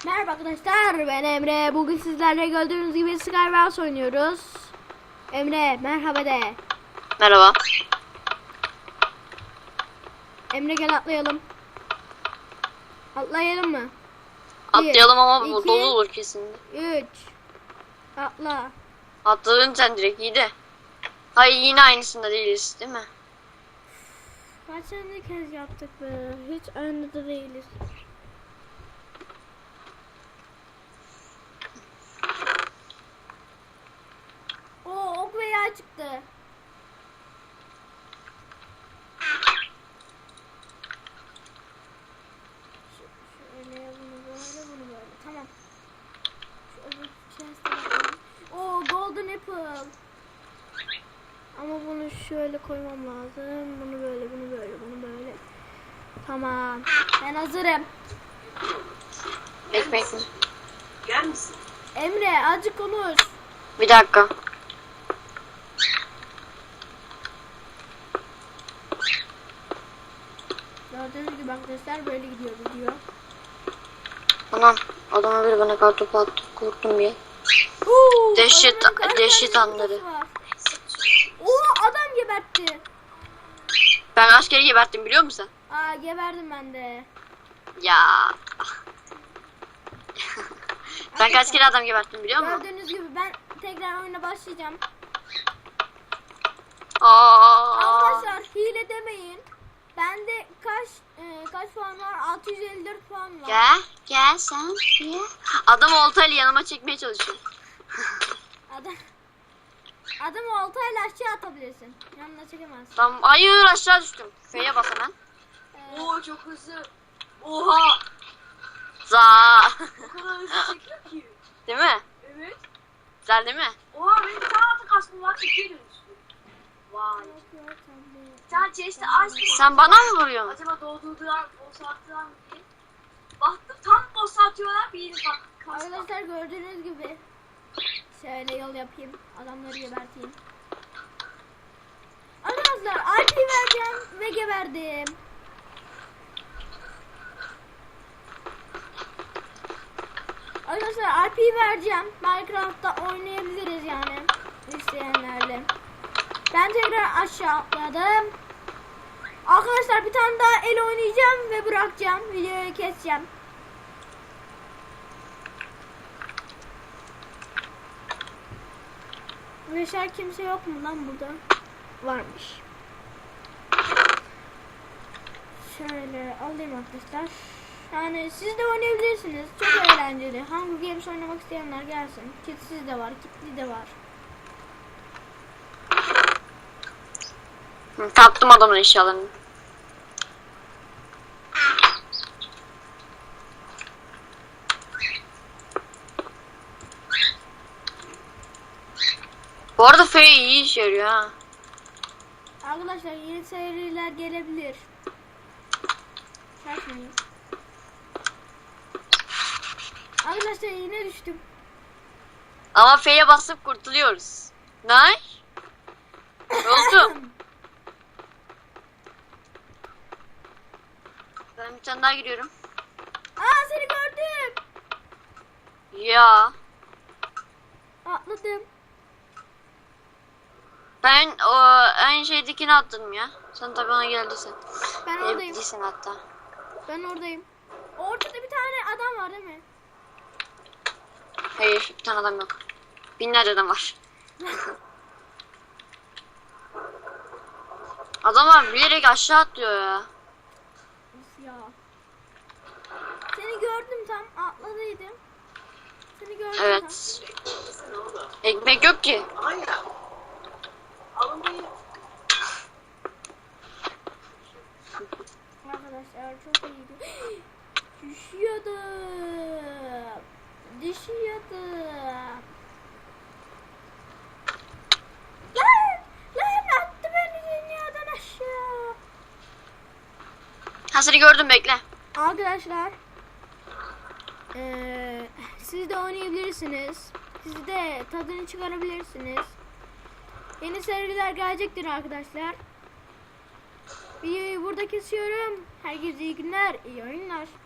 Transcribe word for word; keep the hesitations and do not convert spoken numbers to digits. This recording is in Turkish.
Merhaba arkadaşlar, ben Emre. Bugün sizlerle gördüğünüz gibi Skywars oynuyoruz. Emre merhaba de. Merhaba. Emre gel atlayalım. Atlayalım mı? Atlayalım ama bu iki, dolu olur kesin. üç. Atla. Atladın sen direkt, iyi de. Hayır, yine aynısında değiliz değil mi? Kaçıncı kez yaptık be? Hiç önde de değiliz. Oo, ok ve yay çıktı. Şöyle bunu böyle bunu böyle. Tamam. Şu öbür chest'e bakalım. Oo, golden apple. Ama bunu şöyle koymam lazım. Bunu böyle, bunu böyle, bunu böyle. Tamam. Ben hazırım. Ekmek mi? Gel misin? Emre azıcık konuş. Bir dakika. Gördüğünüz gibi arkadaşlar böyle gidiyor video. Anam, adama bir bana kartopu attı, korktum bir. Oo, Dehşet- adamın kaç dehşet tane anları. kafası var. Oo, adam gebertti. Ben askeri geberttim, biliyor musun? Aa, geberdim ben de. Ya. Ben kaç kere adam geberttim biliyor musun? Gördüğünüz gibi ben tekrar oyuna başlayacağım. Aa. Arkadaşlar hile demeyin. Bende kaç e, kaç puan var? altı yüz elli dört puan var. Gel, gel sen. Gel. Adam oltayla yanıma çekmeye çalışıyor. Adam Adamı oltayla aşağı atabilirsin. Yanına çekemezsin. Tamam, hayır aşağı düştüm. F'ye bas hemen. Ee, Oo çok hızlı. Oha! Za. O kadar hızlı çekiyor ki. Değil mi? Evet. Güzel değil mi? Oha benim bir tane altın kaskım var. İkiye dönüştü. Vay. Bir tane chest'i açtım. Sen bana mı vuruyorsun? Acaba doğduğundan, boss attılar mı diye. Baktım tam boss atıyorlar. Bir yeni bak. kask var. Arkadaşlar gördüğünüz gibi şöyle yol yapayım. Adamları geberteyim. Arkadaşlar I P vereceğim ve geberdim. Arkadaşlar R P vereceğim. Minecraft'ta oynayabiliriz yani. İsteyenlerle. Ben tekrar aşağı atladım. Arkadaşlar bir tane daha el oynayacağım ve bırakacağım. Videoyu keseceğim. Beşer kimse yok mu lan burada? Varmış. Şöyle alayım arkadaşlar. Yani siz de oynayabilirsiniz. Çok eğlenceli. Hunger Games oynamak isteyenler gelsin. Kitsiz de var, kitli de var. Hı, kaptım adamın eşyalarını. Bu arada F iyi işe yarıyor ha. Arkadaşlar yeni seriler gelebilir. Şaşmayın. Arkadaşlar yine düştüm. Ama F'ye basıp kurtuluyoruz. Ne? Ne oldu? Ben bir tane daha giriyorum. Aa, seni gördüm. Ya. Atladım. Ben o en şeydekini attım ya. Sen tabii ona geldiysen. Ben oradayım. Evlisin hatta. Ben oradayım. Ortada bir tane adam var değil mi? Hayır, bir tane adam yok. Binlerce adam var. Adamlar bilerek aşağı atlıyor ya. Of ya. Seni gördüm tam atladıydım. Seni gördüm Evet. Sen orada. Ekmek yok ki. Aynen. Alınmayı. tam. Arkadaşlar çok iyiydi. Düşüyordum. Düşüyordum. Lan! Lan attı beni dünyadan aşağı. Ha, seni gördüm, bekle. Arkadaşlar eee siz de oynayabilirsiniz. Siz de tadını çıkarabilirsiniz. Yeni seriler gelecektir arkadaşlar. Videoyu burada kesiyorum. Herkese iyi günler, iyi oyunlar.